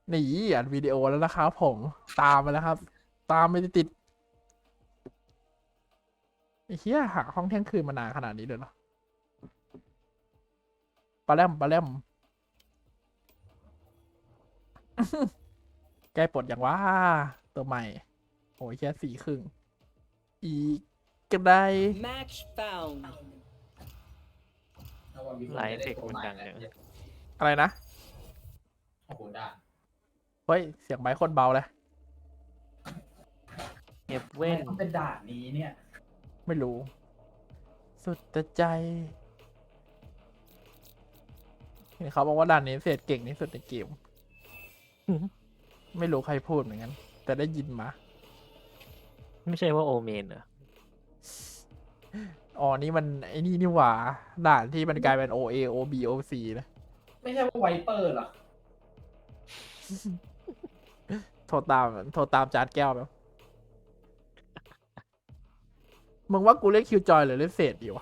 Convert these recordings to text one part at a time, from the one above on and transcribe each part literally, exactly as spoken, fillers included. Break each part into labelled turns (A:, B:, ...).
A: หนีอัดวิดีโอแล้วนะครับผมตามมาแล้วครับ ตามไม่ติดไอ้เหี้ยหาห้องเที่ยงคืนมานานขนาดนี้เลยเหรอปลาแรมปลาแรม ใกล้ปลดอย่างว่าตัวใหม่โอ้ยแค่สี่ครึ่งอีกก็ได้
B: Match found.
C: ไลฟ์เทคมันดังเนี่ย
A: อะไรนะ
D: โอ้โหด่า
A: เฮ้ย เสียงไมค์โคตรเบาเลย
C: เฮฟ
D: เว้
C: เว่
D: น
C: น
D: ต้องเป็นด่านนี้เนี่ย
A: ไม่รู้ สุดแต่ใจเห็นเขาบอกว่าด่านนี้เศษเก่งที่สุดในเกม ไม่รู้ใครพูดเหมือนกัน แต่ได้ยินมา
C: ไม่ใช่ว่าโอเมนเหรอ
A: อ๋อ นี่มันไอ้นี่นี่หว่า ด่านที่มันกลายเป็น โอ เอ โอ บี โอ ซี นะ
D: ไม่ใช่ว่าไวเปอร์เหรอ
A: โทรตาม โทรตามจานแก้วแบบมึงว่ากูเล่นคิวจอยหรือเล่นเศษดีวะ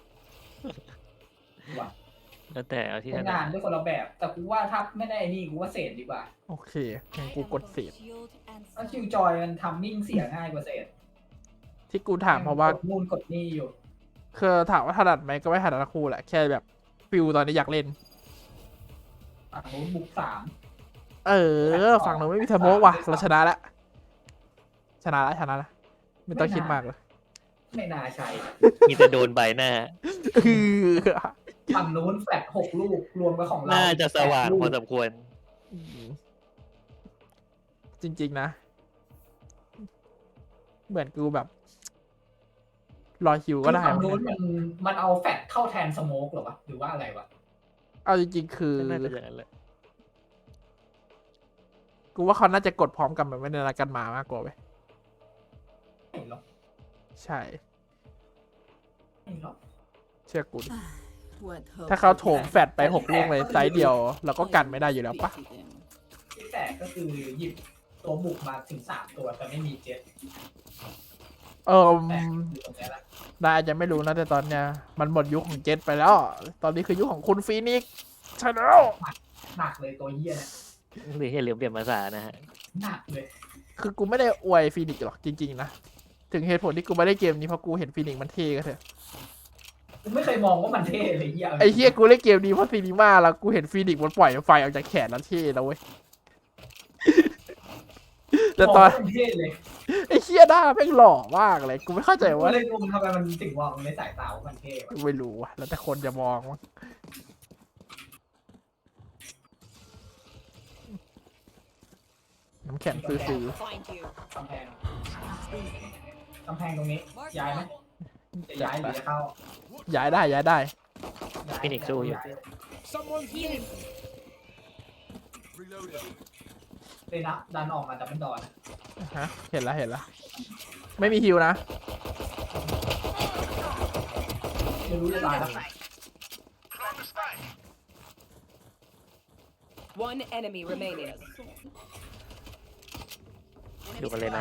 D: ว่ะ
C: แล้วแต่เอาที่ถ
D: ใช้
C: นั
D: งาน
C: ด
D: ด้วยคนละแบบ แต่กูว่าถ้าไม่ได้ไอ้นี่กูว่าเศษดีกว่า
A: โอเคงั้นกูกดเศษ
D: เพราะคิวจอยมันทำมิ่งเสียง่ายกว่าเศษ
A: ที่กูถามเพราะว่า
D: กดนู่นกดนี่อยู่
A: คือถามว่าถนัดไหมก็ไม่ถนัดทั้งคู่แหละ แค่แบบฟิลตอนนี้อยากเล่น
D: ฝั่งนู้นบุกสาม
A: เออ ฝั่งเราไม่มีทะโมกว่ะ เราชนะแล้ว ชนะแล้วชนะแล้วไม่ต้องคิดมากเลย
D: ไม่น่าใช่
C: มีแต่โดนใบหน้า
A: คือ
D: ฝั่งนู้นแฟลตหกลูก รวมกับของเรา
C: น่าจะสว่าง
D: แปดลูก
C: พอสมควร
A: จริง ๆ นะ เหมือนกูแบบ รอคิวก็ได้
D: ฝั่ง
A: มั้
D: นู้น
A: ง
D: มันมันเอาแฟลตเข้าแทนสโมกเหรอวะ หรือว่าอะไรวะ
A: เอาจริง ๆ คือ
C: น่าจะอย่างนั้นแหละ
A: กูว่าเขาน่าจะกดพร้อมกันแบบไม่ได้นัดกันมามากกว่าเว้ย
D: ไม่หรอก
A: ใช่
D: ไม่หรอก
A: เชื่อกูดิ
B: ถ้า
A: ถ้า
B: เขา
A: เขา
B: โถ
A: โถ
B: ม
A: ม
B: แฟ
A: แฟ
B: ด
A: ด
B: ไป
A: ไป
B: ห
A: ห
B: ก
A: ก
B: ลู
A: ลู
B: ก
A: ก
B: เล
A: เลย ย
B: ไซ
A: ไซ
B: ส์
A: ส์
B: เดี
A: เดี
B: ย
A: ยว ว เราก็กันไม่ได้อยู่แล้วปะ
D: ที่แตกก็คือหยิบตัวบุกมาถึงสามตัวแต่ไม่มีเจ็ต
A: เออ
D: แตกอยู่ตรงเนี้ยละ
A: ได้อาจจะไม่รู้นะแต่ตอนเนี้ยมันหมดยุคของเจ็ตไปแล้ว ตอนนี้คือยุคของคุณฟีนิกซ์ใช่แล้ว
D: หนักเลยตัวเหี้ยเนี่ย
C: หรืออย่าลืมเปลี่ยนภาษานะฮะ
D: หนักเลย
A: คือกูไม่ได้อวยฟีนิกซ์หรอกจริงๆนะ ถึงเหตุผลที่กูไม่ได้เกมนี้เพราะกูเห็นฟีนิกซ์มันเท่ก็เถอะ
D: กูไม่เคยมองว่ามันเท่เลยเหี้ย
A: ไอ้เฮียกูเล่นเกมนี้เพราะซีนีมาแล้วกูเห็นฟีนิกซ์มันปล่อยไฟออกจากแขนแล้วเท่แล้วเว้ย แต่ตอน
D: มงว่ามันเท่เลย
A: ไอ้เฮียหน้าแม่งหล่อมากเลย กูไม่เข้าใจ
D: กู
A: ว่า
D: เลยงงทำไมมันถึงมองในสายตาว่ามันเท่วะ
A: ไม่รู้อะแล้วแต่คนจะมองมั้งน้ำแข็งซื้อ
B: Find you.
D: กำแพงกำแพงตรงนี้ย้ายไหมจะย้ายหรือจะเข้า
A: ๆย้ายได้ย้ายได้
D: ย้าย
C: ฟินิกซ์สู้อยู่
D: า
B: Healing.
D: เลยนะดันออกมาจากเป็นดอน
A: ฮะ เห็นแล้วเห็นแล้ว ไม่มีฮิวนะ
D: ไม่รู้จะตายแล้ว
B: One enemy remaining.
C: ดูกันเลยนะ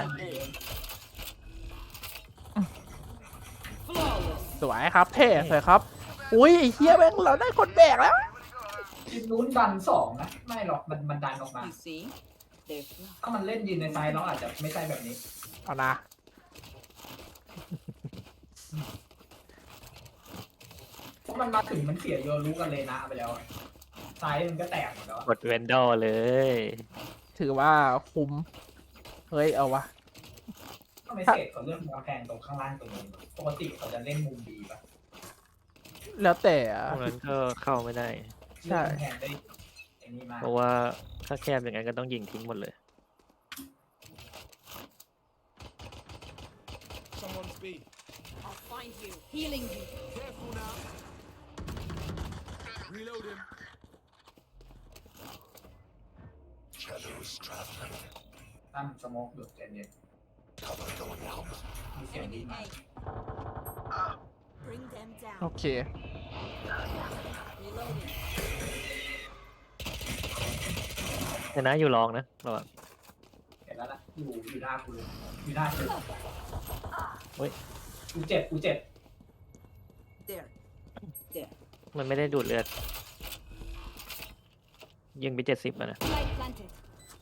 B: Flawless.
A: สวยครับ เท่สวยครับ อุ้ยไอ้เฮียแม่งเราได้คนแบกแล้ว
D: ทีมนู้นดันสองนะไม่หรอกมันมันดันออกมา
B: You see? They're flawed.
D: ถ้ามันเล่นยืนในไซด์เราอาจจะไม่ใช่แบบนี้
A: เอานะ
D: เพราะมันมาถึงมันเสียโยรู้กันเลยนะไปแล้วอะไซด์มันก็แตกหมดแล้วอะ
C: กดเวนดอลเลย
A: ถือว่าคุ้ม เฮ้ย เอาวะ
D: ทำไมเศษเขาเลือกกำแพงตรงข้างล่างตรงนี้ปกติเขาจะเล่นมุมดีปะ
A: แล้วแต่อะ
C: พวกนั้นก็เข้าไม่ได้
A: ใช่
D: เลือกกำแพงได้ไอ้นี่มาก
C: เพราะว่าถ้าแคบอย่างนั้นก็ต้องยิงทิ้งหมดเลย
E: Someone's B.
B: I'll find you. Healing you.
E: Careful now. Reloading.
F: Shadows traveling.
D: ตั้มสโมกหยุดใจเย็น
F: Cover going out.
D: มีเสียงดีมาก
B: Bring them
A: โอ
B: down.
A: เค
B: Reloading.
C: ชนะอยู่รองนะระวัง
D: เห็นแล้วล่ะอยู่อยู่หน้ากูเลยอยู่หน้ากู
C: เฮ้ย
D: กูเจ็บกูเจ็บ
B: There. There.
C: มันไม่ได้ดูดเลือด ยิงไปเจ็ดสิบแล้วนะ
B: Light planted.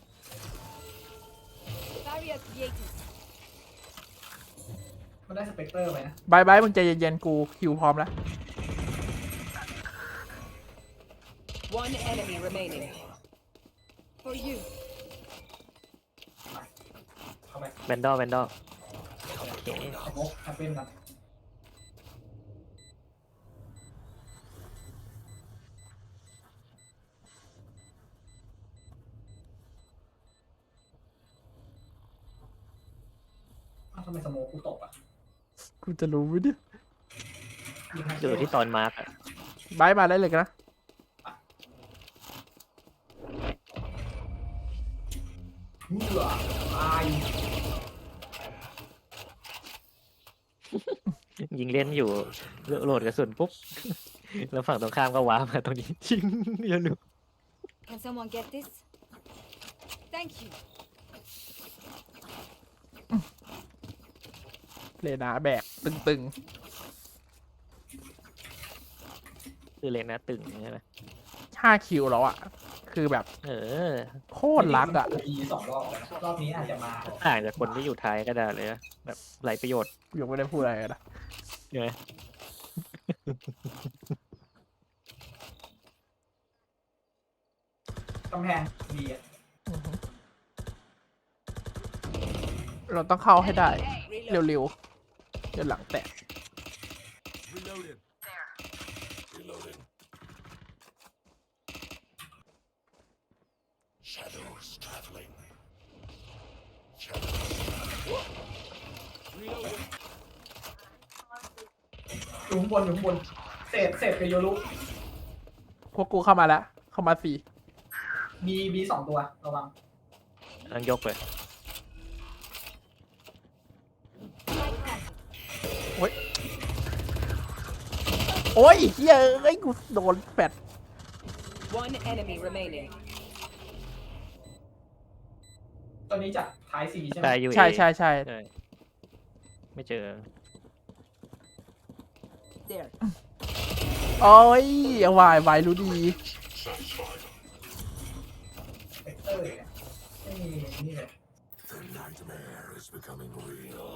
B: Barrier created.
D: มันได้สเปกเตอร์ไปนะ
A: บายบายมึงใจเย็นๆกูคิวพร้อมแล้ว
B: One enemy remaining. For you.
D: เข้าไป
C: แบนดอลแบนดอลโอเค
D: สโมกแอปเปิลนะอ้าวทำไมสโมกกูตกอ่ะ
A: กูจะรู้ไหมเนี่ย
D: ยิงให้
C: อยู่ที่ตอนมาร์กอะ
A: บายมาได้เลยกันนะ
D: เหื่อตาย
C: ยิงเล่นอยู่โหลดกระสุนปุ๊บ แล้วฝั่งตรงข้ามก็ว้ามาตรงนี้ ชิงเดี๋ยวดู
B: Can someone get this? Thank you.
A: เลนาแบกตึง
C: คือเลนนะตึงใช่ไหม
A: ๆห้าคิวแล้วอ่ะ คือแบบ
C: เออ
A: โคตรรัดอ่ะ
D: มีสองรอบแล้วนะรอบนี้อาจจะมา
C: ต่างจากคนที่อยู่ท้ายก็ได้เลยนะแบบไรประโยชน์
A: กูยังไม่ได้พูดอะไรเลยนะ
C: ใช่ไหม
D: กำแพงดีอ่ะ
A: อือฮึเราต้องเข้าให้ได้
B: Reload.
A: เร็วๆเดี๋ยวหลังแตก
F: Reloading. Reloading. Shadows traveling. Shadows. Reloading.
D: อยู่ข้างบนอยู่ข้างบนเศษเศษกับโยรุ
A: พวกกูเข้ามาแล้ว เข้ามาสี่
D: มีมีสองตัวระวัง
C: ต้องยกเลย
A: โอ้ยเฮียเอ้ยกูโดนแฟด
B: One enemy remaining.
D: ตอนนี้จากท้ายซีใช่ไหม
C: ตายอยู่
A: ใช่ใช่ใช่
C: ใช่ไม่เจอ
B: There.
A: โอ้ยเอาวายวายรู้ดี
F: Satisfied.
D: สเปกเตอร์เนี่ยไม่มีนี่เลย
F: The nightmare is becoming real.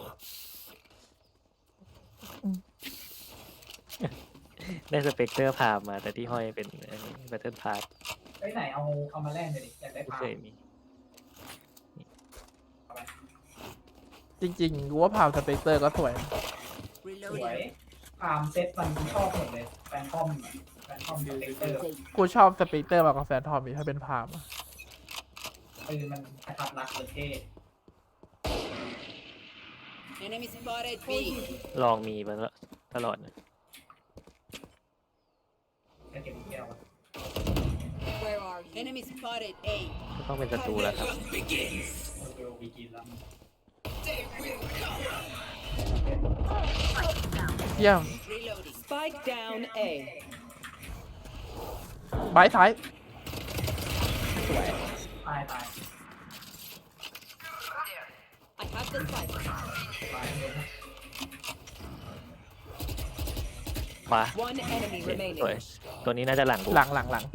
C: ได้สเปกเตอร์พามาแต่ที่ห้อยเป็นแบตเทิลพาร์ท
D: ไอ้ยไหนเอาเอามาแลกเลยดิอยากได้
C: ไม่
D: พา
C: เคยมี
A: จริงๆกูว่าพาวสเปกเตอร์ก็สวย
D: สวยพามเซ็ตมันชอบหมดเลยแฟนทอมแฟนทอมสเปกเตอร์
A: กูชอบสเปกเตอร์มากกว่าแฟนทอมอีกถ้าเป็นพามอะ
D: ปืนมันกระทับรักเลยเท่
B: Enemy spotted. B.
C: ลองมีมาตลอดนะ
D: แค่เก็บลูกแก้วอะ
B: Where are you? Enemy spotted. A.
C: ก็ต้องเป็นศัตรูแล้วครับ
D: เวลวีกินแล้ว
A: เยี่ยม
B: Reloading. Spike down. A.
A: บายท้าย
D: ตายตาย
B: I have the spike.
D: ตายเลยนะ
C: ขวา
B: One enemy
C: สวย
B: remaining.
C: ตัวนี้น่าจะหลังกู
A: หลังหลังหลัง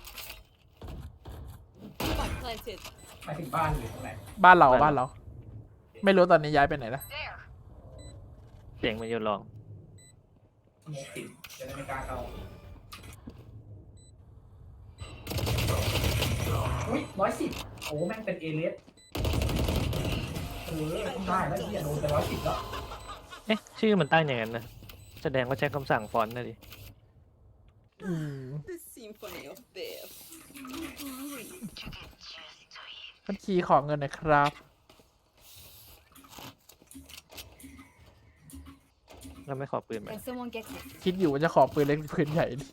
B: Spike planted.
D: ไปถึงบ้านหรือตรงไหน
A: บ้านเราบ้านเรา ไม่รู้ตอนนี้ย้ายไปไหนแล้ว
C: เสียงมันอยู่ลอง
D: สโมกติดจะได้ไม่กล้าเข้าอุ้ยร้อยสิบโอ้แม่งเป็นเอเลสเออต้องได้แล้วที่โดนไปร้อยสิบแล้ว
C: เอ๊ะชื่อมันตั้งอย่างนั้นนะแสดงว่าใช้คำสั่งฟอนต์นะดิ
A: อืม
B: The symphony of death.
A: บัญชีขอเงินหน่อยครับ
C: แล้วไม่ขอปืนมา
B: Can someone get this?
A: คิดอยู่ว่าจะขอปืนเล็กหรือปืนใหญ่ดิ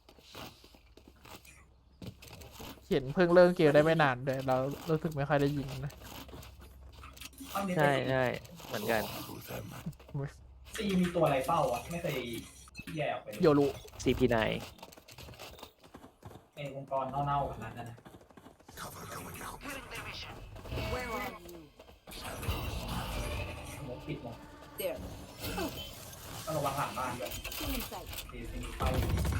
A: เห็นเพิ่งเริ่มเกมได้ไม่นานเลยเรารู้สึกไม่ค่อยได้ยิงนะ
D: ตอนนี้
C: ใช่ใช่เหมือนกัน
F: Through them.
D: ซีมีตัวอะไรเป้าอ่ะไม่เคยแย่ออกไปเลย
A: โยรุ
C: ซี พี ไนน์
D: ในองค์กรเน่าๆขนาดนั้นนะ
F: Cover going out.
B: Where are you?
D: สโมกปิดหมด
B: There.
D: ต้องระวังหลังบ้านด้วย
B: Still inside.
D: ซีซีมีเป้า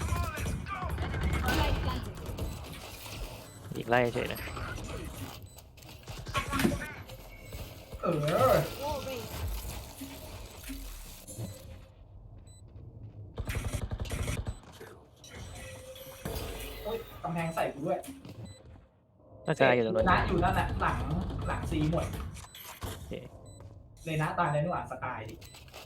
B: Spike planted.
C: อีกไล่เฉยนะน่าจะอยู่ตรงนั้น
D: นะอยู่นั่นแหละหลังหลังซีหมด
C: โอเค
D: เลยนะตายในนู่นอ่านสกายดิ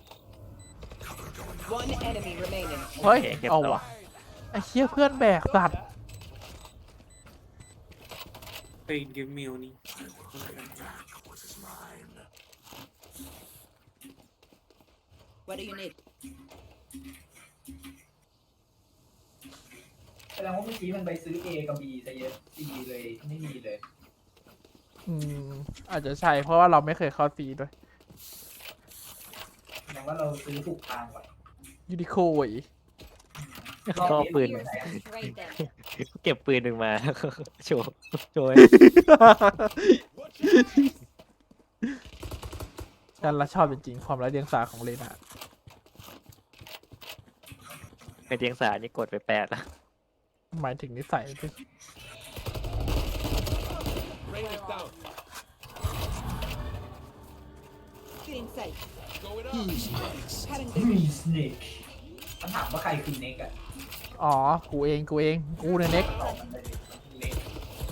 E: One enemy remaining.
A: เฮ้ย
C: โอเคเก็บ
A: เอา
C: ต่อ
A: ว่ะไอ้เชี่ยเพื่อนแบกสัตว์
G: Hey, give me Oni.
F: What is mine?
E: What do you need?
D: แสดงว่าเมื่อกี้มันไปซื้อ A กับ B ซะเยอะ C เลยไม่มีเลย
A: อืมอาจจะใช่เพราะว่าเราไม่เคยเข้าซีด้วย
D: แสดงว่าเราซื้อถูกทางก่อน
A: ยูนิโคย
C: ก็ปืน
B: Here, trade them.
C: เก็บปืนหนึ่งมา โชว์โชว์
A: ฉันละชอบจริงๆความไร้เดียงสาของเลนา
C: ในเตียงสานี่กดไปแปดแล้ว
A: หมายถึงนิสัยที่
E: Feeling safe.
D: มีสเนกมันถามว่าใครคือเน็กอะ
A: อ๋อ กูเอง กูเอง กูเนี่ยเน็ก
D: ตอบมันเลยเน็ก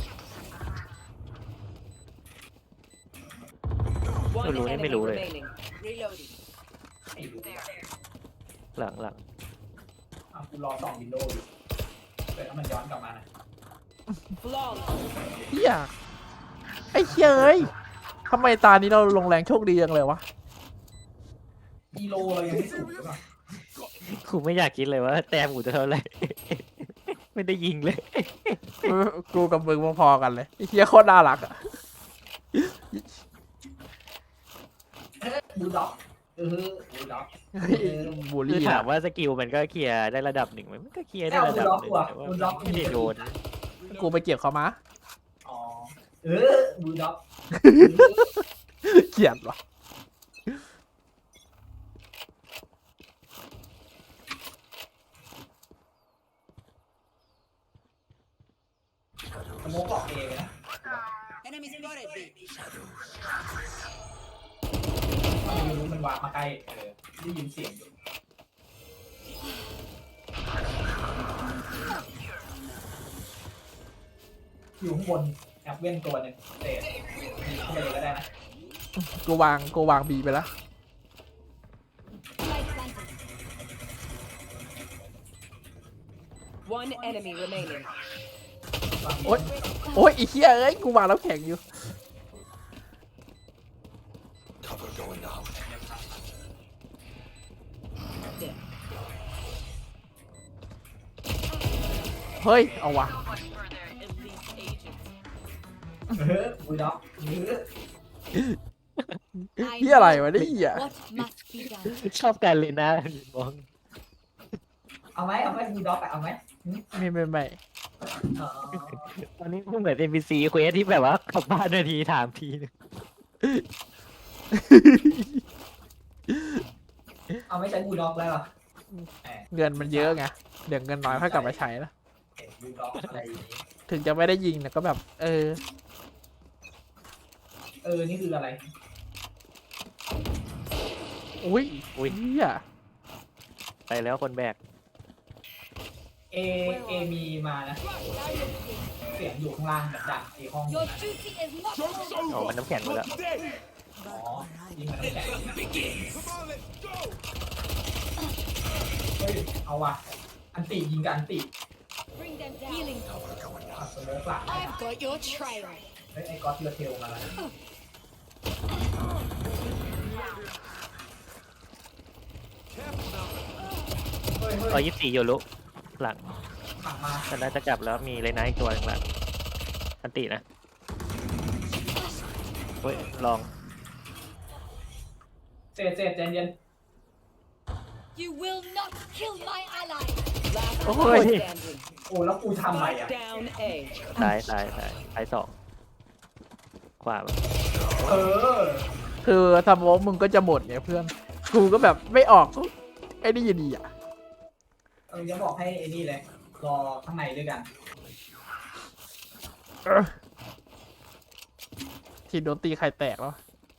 E: One
C: Lulu,
E: enemy
C: em Lulu.
E: remaining. Reloading.
D: ไม่รู้
C: หลังหลัง
D: อ่ะกูรอส่องวินโดว์อยู่เดี๋ยวถ้ามันย้อนกลับมานะ
E: Flawless.
A: เฮียไอ้เชี่ยเอ้ยทำไมตานี้เราลงแรงโชคดีจังเลยวะ
D: อีโลเรายังไม่สูงหรือเปล่า
C: กูไม่อยากคิดเลยว่าแต้มกูจะเท่าไหร่ ไม่ได้ยิงเลย
A: กูกูกับมึงพอๆกันเลยไอ้เฮียโคตรน่ารักอ่ะ
D: บูลด็อกเออบูลด็อก
A: เฮ้ยบูล
C: คือ
A: ลี่
C: ถา
A: อะ
C: มว่าสกิลมันก็เคลียร์ได้ระดับหนึ่งไหมมันก็เคลียร์ได้ระดับหนึ่งแต่ว่าไม่ได้โดน
A: กูไปเก็บเขามา
D: อ๋อเออบูลด็อก
A: เกลียดวะ
D: สโมกบอกเองนะ
E: Enemy spotted. B.
D: ไม่รู้มันวางมาใกล้เออได้ยินเสียงอยู่อยู่ข้างบนแอบเว้นตัวหนึ่งเตะเข้าไปเลยก็ได้นะ
A: กูวางกูวางบีไปแล้ว
B: Light planted.
E: One enemy remaining.
D: วาง
A: โอ๊ย โอ้ยไอ้เฮียเอ้ย กูวางแล้วแข็งอยู่
F: Cover going out.
A: เฮ้ย เอาวะ
D: เออบูลด็อกเออ
B: I
A: เฮียอะไร
B: know
A: วะเนี่ยเฮีย
B: what must be done.
C: ชอบการเลยนะมอง
D: เอาไหมเอาไหมบูลด็อกอะเอาไหม
A: ไม่ไม่ไม่
D: อ๋อ
C: ตอนนี้เหมือน เอ็น พี ซี เควสที่แบบว่ากลับบ้านนาทีถามทีนึง
D: เอาไม่ใช้บูลด็อกแล้วเหรอแหม
A: เงินมันเยอะไง เดี๋ยวเงินน้อยค่อยกลับมาใช้นะ
D: เห็นบูลด็อกอะไรอย่างนี้
A: ถึงจะไม่ได้ยิงแต่ก็แบบ เออ
D: เออนี่คืออะไร
A: อุ้ย
C: อุ้ย
A: เฮีย
C: ไปแล้วคนแบก
D: เอเอมีมานะ เสียงอยู่ข้างล่างแบบดังไอห้อง
B: Your duty is not over.
C: อ๋อมันน้ำแข็งหมดแล้ว
D: อ๋อยิงมันน้ำแข็งเฮ้ยเอาว่ะอันติยิงกันอันติ
B: Bring them down. Healing.
D: อ่ะสโมกหลัง
B: I've got your trail.
D: เฮ้ยไอ้ก๊อตเลือเทลมาแล้วนะเฮ้ยเฮ้
C: ร้อย ยยี่สิบสี่โยรุหลัง
D: ขังมา
C: แต่น่าจะกลับแล้วมีเลยนะอีกตัวหนึงหลังอันตินะเฮ้ยลอง
D: เสร็จเสร็จใจเย็น
B: You will not kill my ally.
E: Last
A: Oh,
E: player
A: hey.
E: standing.
D: โอ้แล้วกูทำอะไร
E: Spike
D: อ่ะ
E: down A.
C: ซ้ายซ้ายซ้ายซ้ายสองขวา
D: เออ
A: คือสโมองมึงก็จะหมดเนี่ยเพื่อน กูก็แบบไม่ออกก็ไอ้นี่อยู่ดีอ่ะ
D: เออยังบอกให้ไอ้นี่เลยรอข้างในด้วยกัน
A: เออทีมโดนตีไข่แตกแล้ว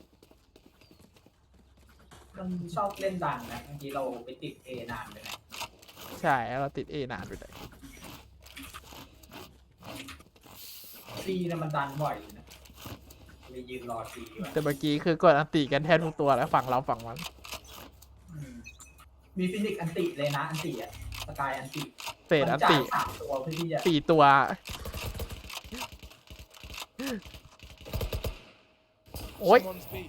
D: มันชอบเล่นดังนะเมื่อกี้เราไปติดเอนานเลยนะ
A: ใช่เราติดเอนานไปเลย
D: ซีซีเนี่ยมันดันบ่อยอยู่นะเลยยืนรอซีไว้
A: แต่เมื่อกี้คือกดอันติกันแทบทุกตัวแล้วฝั่งเราฝั่งมัน
D: อืมมีฟินิกซ์อันติเลยนะอันติอะสกายอันติ
A: เศษอันติ
D: มันจ่ายสามตัวเพื่อที่จะ
A: สี่ตัว โอ้ย
F: Someone's B.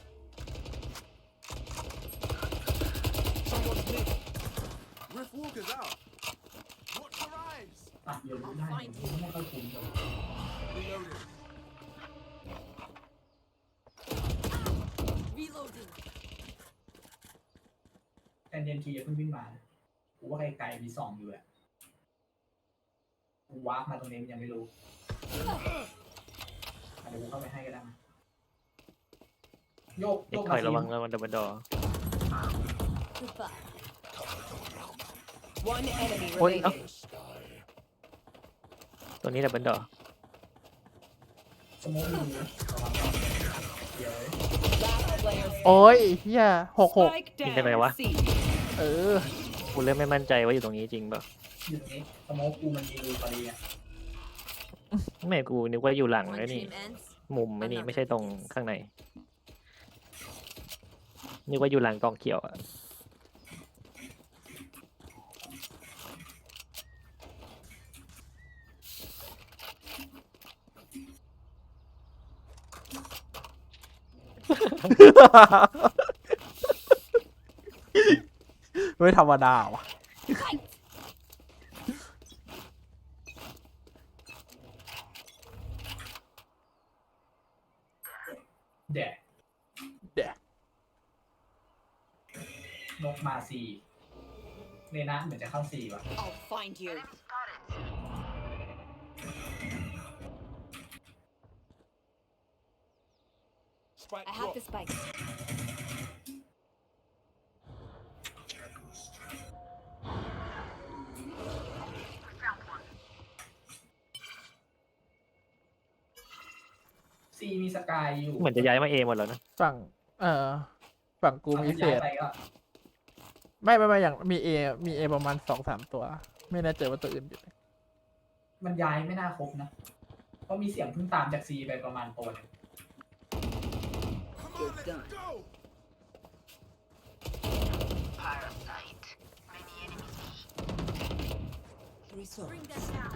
F: Someone's mid. Rift Walker's out. Watch your eyes.
D: ตัดเยอะได้ผมไม่ค่อยคุ้มเลย
F: Reloading.
B: Reloading.
D: แอนเดนทีจะเพิ่งวิ่งมานะกูว่าไกลๆมีสองอยู่แหละกูวาร์ปมาตรงนี้มันยังไม่รู้อ่ะเดี๋ยวกูเข้าไปให้ก็ได้นะโยก
C: เด็
D: โย
C: ก
D: ก
C: ถ
D: มา
C: อย
D: ซี
C: ระวังระวังดับเบิลดอ
B: Goodbye.
E: One enemy
A: Ôi,
E: remaining.
F: The sky.
C: ตัวนี้ดับเบิลดอ
D: สโมองมีนะระวังนะเดี๋ยว
E: Last player
A: โอ้ยเฮียหกหก
E: Spike
C: ยิงได้ไหมวะ
E: down. C.
A: เออ
C: กูเริ่มไม่มั่นใจว่าอยู่ตรงนี้จริงเปล่า
D: อยู่ตรงนี้สโมองกูมันมีรูพอดีอ่ะ
C: ไม่กูนึกว่าอยู่หลัง
B: One
C: แล้วนี่
B: team ends.
C: มุมไม่นี่ไม่ใช่ตรงข้างในนึกว่าอยู่หลังกองเขียวอะ
A: ไม่ธรรมดาว่ะ
D: แดด
A: แดด
D: นกมาซีเนนะเหมือนจะเข้าซีว่ะ
E: I'll find you.
F: Spike
B: I have
F: drop.
B: the spike.
D: ซีมีสกายอยู่
C: เหมือนจะย้ายมาเอหมดแล้วนะ
A: ฝั่ง เอ่อ ฝั่งกูมีเศ
D: ย้าย
A: ษ
D: ไปก็
A: ไม่ไม่ไม่อย่างมีเอมีเอประมาณสองสามตัว ไม่แน่ใจว่าตัวอื่นอยู่ไหน
D: มันย้ายไม่น่าครบนะ เพราะมีเสียงเพิ่งตามจากซีไปประมาณตัวหนึง
F: Come on, let's go.
B: Bring them down.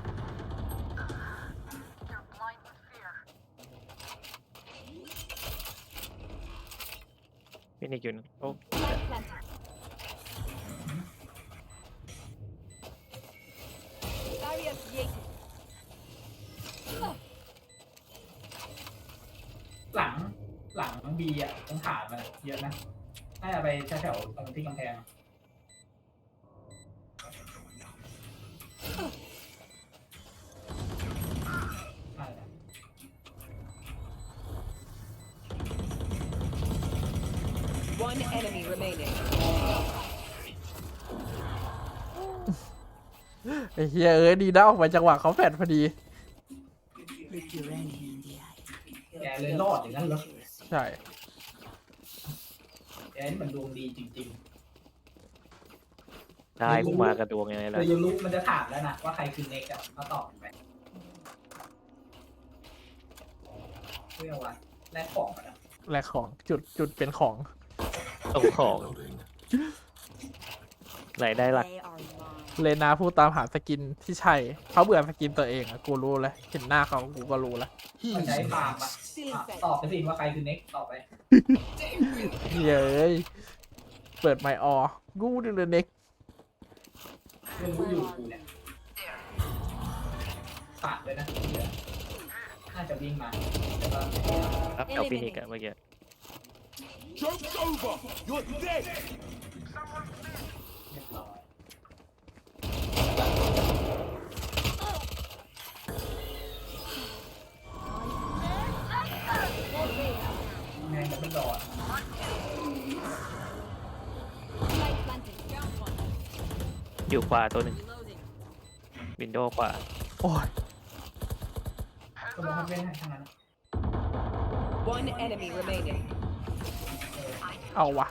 C: ฟินิกอยู่นะโอ้
B: Spike planted. Barrier created.
D: หลังหลังบีอ่ะตรงฐานมันอะเยอะนะน่าจะไปแถวๆตรงที่กำแพงอะน่าจะ
E: One enemy remaining.
A: ไอ้เฮียเอ้ยดีนะออกมาจังหวะเขาแฟดพอดี
E: Look your enemy in the eye.
D: แกเลยรอดอย่างนั้นเหรอ
A: ใช่
D: แกนี่มันดวงดีจริง
C: ได้กูมากระดวงยังไง
D: ๆ
C: ล่ะ
D: เลยยูรุมันจะถามแล้วนะว่าใครคือเน็กอะมาตอบไปเพื่อว่าแลกของกันนะ
A: และของจุดจุดเป็นของ
C: ตรงของ
F: Reloading.
C: รายได้หลัก
B: They are mine.
A: เลนาพูดตามหาสกินที่ใช่ เขาเบื่อสกินตัวเองอะกูรู้แล้วเห็นหน้าเขากูก็รู้แล้ว
D: มันใช้ฟาร์มอะ
B: Still
D: อ่ะ
B: fed.
D: ตอบไปสิว่าใครคือเน็กตอบไป
A: เย้ยเปิดไมค์ออกูดูเลยเน็ก
D: เรื่องรู้อยู่กูเนี่ยฝากเลยนะเดี๋ยวน่าจะวิ่งมาแต่ว่า
C: ครับเอาฟินิกอะเมื่อกี้
F: Joke's over. You're dead.
D: เรียบร้อยแม่งจะไม่รอด
B: Spike planted. Down one.
C: อยู่ขวาตัวหนึ่ง
B: Reloading.
C: วินโดว์ขวา
A: โอ้ย
D: ก็บอกให้เล่นให้ทั้งนั้น
E: One enemy remaining.
A: เอาวะ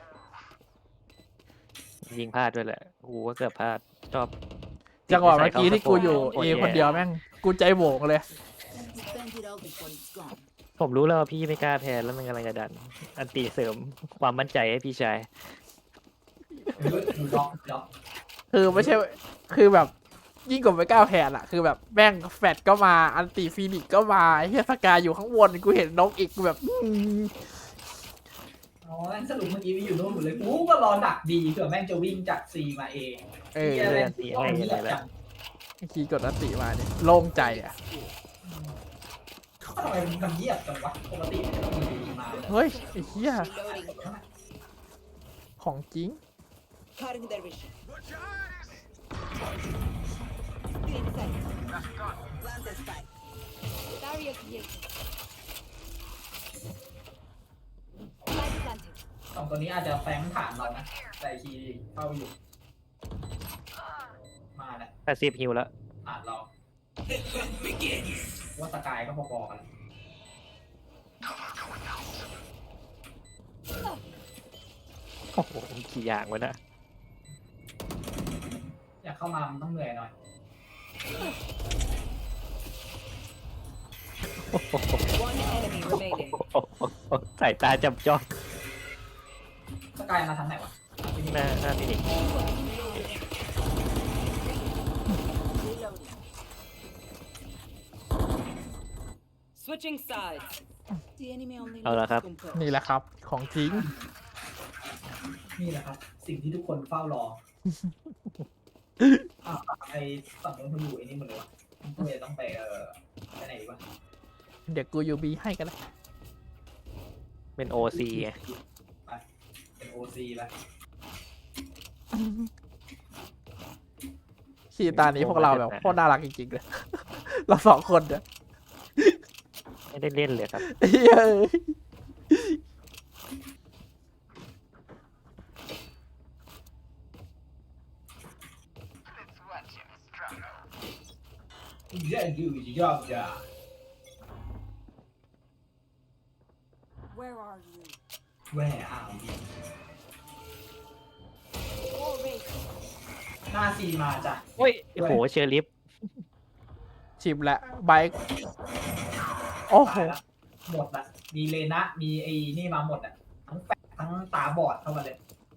C: ยิงพลาดด้วยแหละกูก็เกือบพลาดชอบ
A: จังหวะเมื่อกี้ที่กูอยู่
C: โคต
A: เอ
C: รแ
A: คนเดียวแม่ง กูใจโหวงเลย
E: Spike Spend it all before it's gone.
C: ผมรู้แล้วว่าพี่ไม่กล้าแพ้แล้วมันกำลังจะดัน อันตีเสริมความมั่นใจให้พี่ชาย
D: เฮ้ยดูล็อกล็อก
A: คือไม่ใช่ คือแบบยิ่งกว่าไม่กล้าแพ้อะคือแบบแม่งแฟดก็มาอันติฟีนิกซ์ก็มาไอ้เฮียสกายอยู่ข้างบนกูเห็นนกอีกกูแบบอืม
D: อ๋องั้นสรุปเมื่อกี้วิอยู่นู่นหมดเลยกูก็รอดักดีเผื่อแม่งจะวิ่งจากซีมาเอง
A: เออ
D: เหี้ย
C: เอ
D: แม่
C: อง ตีให้ยังไงล่ะ
A: คีย์กดอันติมาเนี่ยโล่งใจอ่ะ
D: ทำไมมันเงียบจังวะปกติมันจะมีดีมาเลย
A: เฮ้ยไอ้เหี้ย
E: Reloading.
A: ของจริง
E: Cutting their vision.
F: Watch your eyes!
B: Clean sight.
E: Plant the spike.
B: Barrier created. Light planted.
D: สองตัวนี้อาจจะแฝงผ่านเรานะแต่คีย์เข้าอยู่ มาแล้ว
C: แปดสิบฮิวแล้ว
D: ผ่านเราว่าสกายก็พอๆกัน
C: โอ้โหกี่อย่างวะนะ
D: อยากเข้ามามันต้องเหนื่อยหน่อย
E: One enemy remaining.
C: โอ้โหสายตาจับจ้อง
D: สกายมาทางไหนวะที่นี่
C: หน้าหน้าพี่นิก
E: Switching sides.
B: The enemy only
C: เอาละครับ
E: Compose.
A: นี่แหละครับ ของจริง
D: นี่แหละครับ สิ่งที่ทุกคนเฝ้ารออ่ะไอฝั่งนู้นมันอยู่ไอ้นี่หมดเลยวะก็เลยต้องไปเออไปไหนดีวะ
A: เดี๋ยวกูยูบีให้กันนะ
C: เป็นโอซีไง
D: ไปเป็นโอซีแล้ว
A: ขี่ตานี้พวกเราแบบโคตรน่ารักจริงๆเลย เราสองคนเนี่ย
C: ไม่ได้เล่นเลยครับ
A: เฮ้ย
D: เยอะอยู่ยอดจ้า
B: Where are you?
D: แหวอ่าว
B: All race.
D: หน้าซีมาจ้ะ
C: โอ้ยโอ้โหเชอร์ลิฟ
A: ชิมและไบค์โอ้โห
D: ตายละหมดละมีเลนะมีไอ้นี่มาหมดอ่ะทั้งแฟกทั้งตาบอดเข้ามาเลย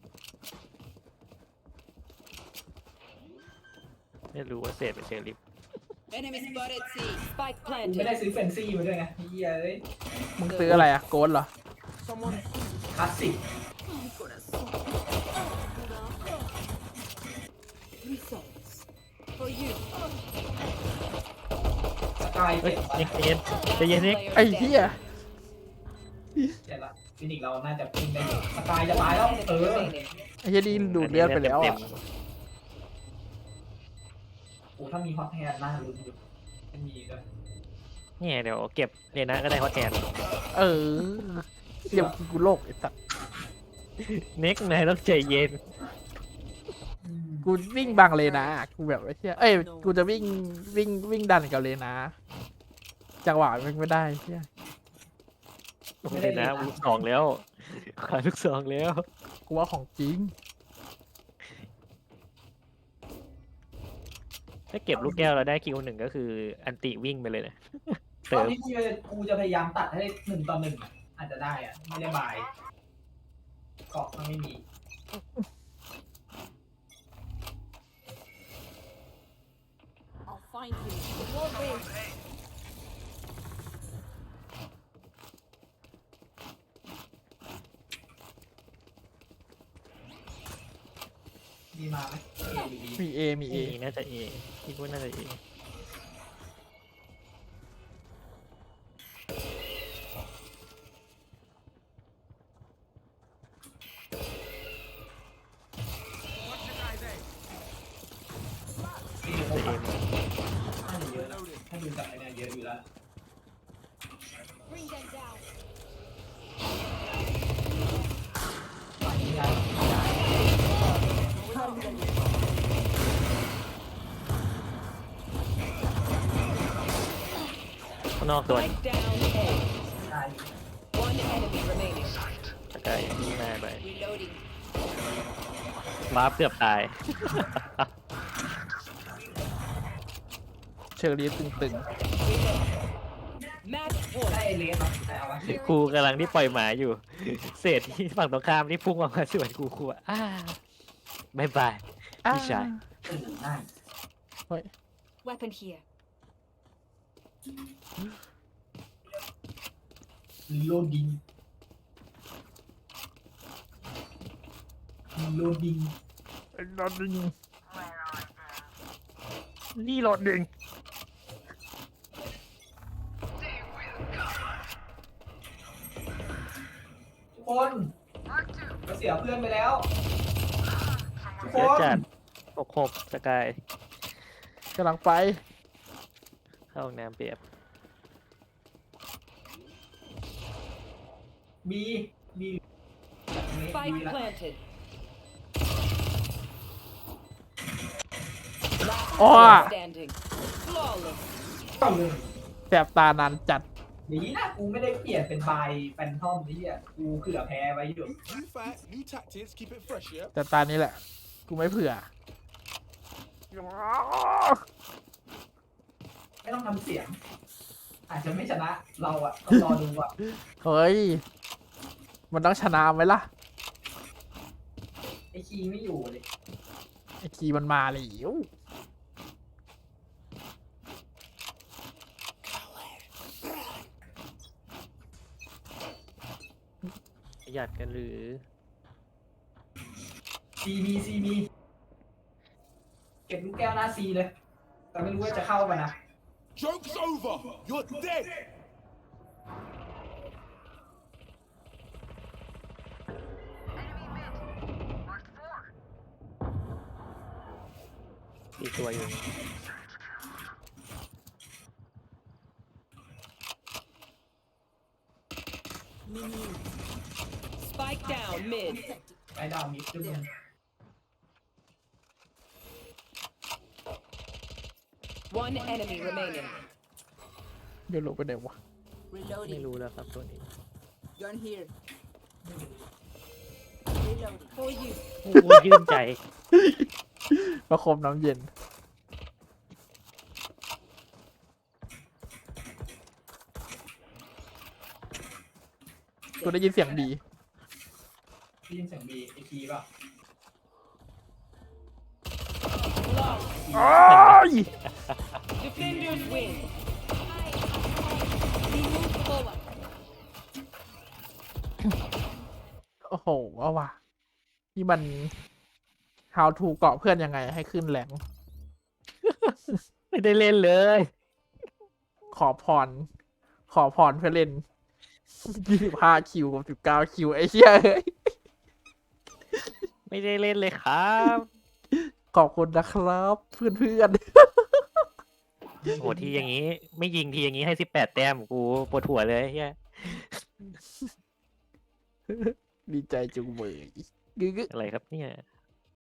C: ไม่รู้ว่าเศษเป็นเชอร์ลิฟ
E: Enemy spotted C. Spike
D: กูไม่ได้
E: planted.
D: ซื้อเฟนซี่มาด้วยไงเฮียเอ้ย
A: มึงซื้ออะไรอะโกนเหรอ
D: คลาสสิก
B: Results. For you.
D: สกาย
C: เฮ้ย
D: เจ็บ
C: เย็นใจเย็นใจเย็นนิก
E: Player
A: ไอ้
E: dead.
A: เหี้ย
D: เจ็บละฟินิกเราน่าจะพิงได้อยู่สกายจะตายแล้ว
E: Enemy
D: เออ
E: remaining.
A: ไอ้เหี้ยนี่ดูดเลือดไปแล้ว
C: เต็
A: อะ
C: ม
D: โอ้ถ้ามีฮอตแฮนด์น่าลุ้นอยู่ไม่มีด้วย
C: ๆเนี่ยเดี๋ยวเก็บเนี่ยนะก็ได้ฮอตแทน
A: เออเดี๋ยวกูโลกไอ้สัส
C: เน็กนายต้องใจเย็น
D: อืม
A: กูวิ่งบังเลยนะ กูแบบไอ้เหี้ยเอ้ย กูจะวิ่งวิ่งวิ่งดันกับเลยนะ จังหวะมันไม่ได้เหี้ย
C: ไม่ได้นะลูกสองแล้วขาลูกสองแล้ว
A: กูว่าของจริง
C: ถ้าเก็บลูกแก้วเราได้คิวหนึ่งก็คืออันติวิ่งไปเลยนะ
D: ตอน
C: เติม
D: นี้กูจะกูจะพยายามตัดให้หนึ่งต่อหนึ่งอะอาจจะได้อะไม่ได้บายเกาะมันไม่มี
B: I'll find you. All race.
D: มีมาไหมเออยู่ดี
A: มีเอมีเอ
C: เอน่าจะเอคิดว่าน่าจะเอ
D: ซีอยู่
C: จะเอ
D: ข้างหลังน่าจะเยอะนะถ้าดูจากไอ้เนี่ยเยอะอยู่แล้ว
B: Bring them down.
D: ไม่ได้
C: ข้างนอกตัว
E: Spike down A.
D: ได้
E: One enemy remaining.
C: สกายยิงหน้าไป
E: Reloading.
C: วาร์ปเกือบตาย
A: เชอรี่ตึง
E: Match
D: ได้
E: point.
D: เอเลสมาแต่เอาวะ
C: กูกำลังที่ปล่อยหมาอยู่ เศษที่ฝั่งตรงข้ามที่พุ่งออกมาสวนกูกูอะอ้าบายบาย พี่ชาย
D: เออได้
B: Weapon here.
D: รีโหลดดิงรีโหลดดิง
A: รถดึงนี่รถดึง
D: ทุกคนเราเสียเพื่อนไปแล้วทุกค
C: เยอะ
D: น
C: จัดหกหกสกาย
A: กำลังไป
C: เข้าห้องน้ำเปียบ
D: บีบีบี
E: Spike
D: ละ
E: planted.
A: อ๋อ
E: Standing. Flawless.
D: เข้าเลย
A: แสบตานานจัด
D: ดีนะกูไม่ได้เปลี่ยนเป็นบายแฟนทอมนี่อ่ะกูเผื่อแพ้ไว้อยู่
F: New fight, new tactics, keep it fresh, yeah?
A: แต่ตานี้แหละ กูไม่เผื่อ
D: ไม่ต้องทำเสียง อาจจะไม่ชนะเราอ่ะต้องรอดูอ่ะ
A: เฮ้ย มันต้องชนะไหมล่ะ
D: ไอคีไม่อยู่เลย
A: ไอคีมันมาแล้ว
C: ประหยัดกันหรือ
D: ซีบีซีบีเก็บลูกแก้วหน้าซีเลย แต่ไม่รู้ว่าจะเข้าไปนะ
F: Joke's over! You're dead!
C: อีกตัวอยู่
E: Spike down mid.
D: ไอ้ดาวมิดด้วยมึง
E: One enemy remaining.
A: เดี๋ยวหลบไปไหนวะ
C: ไม่
E: Reloading.
C: รู้แล้วครับตัวนี้
E: Gun here. Reloading. For you.
C: กูยื่นใจ
A: ประคมน้ำเย็น กูได้ยินเสียงดี
D: ได้ยินเสียงบีไอคีป่ะ
A: โอ้ย
E: Defenders win.
B: We move forward.
A: โอ้โหว่าว่ะนี่มัน how to เกาะเพื่อนยังไงให้ขึ้นแรง
C: ไม่ได้เล่นเลย
A: ขอพร ขอพรเพื่อเล่น ยี่สิบห้าคิวกับสิบเก้าคิว ไอ้เหี้ยเอ้ย
C: ไม่ได้เล่นเลยครับ
A: ขอบคุณนะครับ เพื่อนเพื่อน
C: โหทีอย่างนี้ ไม่ยิงทีอย่างนี้ให้สิบแปดแต้มกูปวดหัวเลยเฮีย
A: ๆ ดีใจจุงเบยกึก
C: อะไรครับเนี่ย